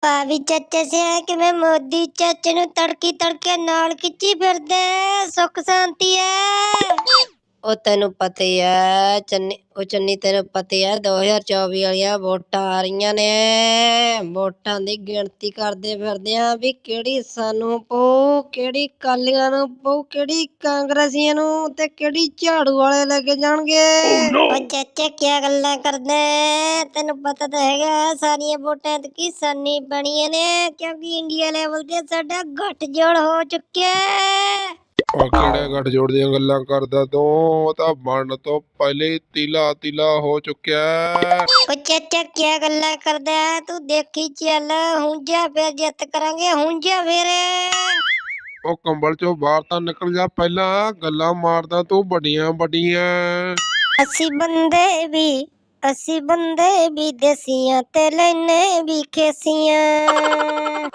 ਭਾਵੀ ਚਾਚੇ ਸਿਆ ਕਿਵੇਂ ਮੋਦੀ ਚਾਚੇ ਨੂੰ ਤੜਕੀ ਤੜਕੇ ਨਾਲ ਖਿੱਚੀ ਫਿਰਦੇ ਸੁੱਖ ਸ਼ਾਂਤੀ ਐ। ਉਹ ਤੈਨੂੰ ਪਤਾ ਹੀ ਐ ਚੰਨੀ ਤੈਨੂੰ ਪਤਾ ਹੀ ਐ 2024 ਵਾਲੀਆਂ ਵੋਟਾਂ ਆ ਰਹੀਆਂ ਨੇ। ਵੋਟਾਂ ਦੀ ਗਿਣਤੀ ਕਰਦੇ ਫਿਰਦੇ ਆ ਵੀ ਕਿਹੜੀ ਸਾਨੂੰ ਪਊ, ਕਿਹੜੀ ਅਕਾਲੀਆਂ ਨੂੰ ਪਊ, ਕਿਹੜੀ ਕਾਂਗਰਸੀਆਂ ਨੂੰ ਤੇ ਕਿਹੜੀ ਝਾੜੂ ਵਾਲੇ ਲੈ ਕੇ ਜਾਣਗੇ। ਉਹ ਚਾਚਾ ਕਿਆ ਗੱਲਾਂ ਕਰਦੇ, ਤੈਨੂੰ ਪਤਾ ਤਾਂ ਹੈਗਾ ਸਾਰੀਆਂ ਵੋਟਾਂ ਤੇ ਕਿਸਾਨੀ ਬਣੀਆਂ ਨੇ ਕਿਉਂਕਿ ਇੰਡੀਆ ਲੈਵਲ ਤੇ ਸਾਡਾ ਗੱਠਜੋੜ ਹੋ ਚੁੱਕਿਆ। ਕਿਹੜੇ ਗੱਠਜੋੜ ਦੀਆਂ ਗੱਲਾਂ ਕਰਦਾ ਤੂੰ? ਉਹ ਤਾਂ ਬਣਨ ਤੋਂ ਪਹਿਲੇ ਹੀ ਤੀਲਾ ਹੋ ਚੁੱਕਿਆ। ਉਹ ਚਾਚਾ ਕਿਆ ਗੱਲਾਂ ਕਰਦਾ, ਤੂੰ ਦੇਖੀ ਚੱਲ ਹੁਣ ਜਾ ਫਿਰ ਜਿੱਤ ਕਰਾਂਗੇ ਹੁਣ ਜਾ ਫਿਰ। ਉਹ ਕੰਬਲ ਚੋਂ ਬਾਹਰ ਤਾਂ ਨਿਕਲ ਜਾ ਪਹਿਲਾਂ, ਗੱਲਾਂ ਮਾਰਦਾ ਤੂੰ ਵੱਡੀਆਂ ਵੱਡੀਆਂ। ਅਸੀਂ ਬੰਦੇ ਵੀ ਦੇਸੀਆਂ ਤੇ ਲੈਨੇ ਵੀ ਖੇਸੀਆਂ।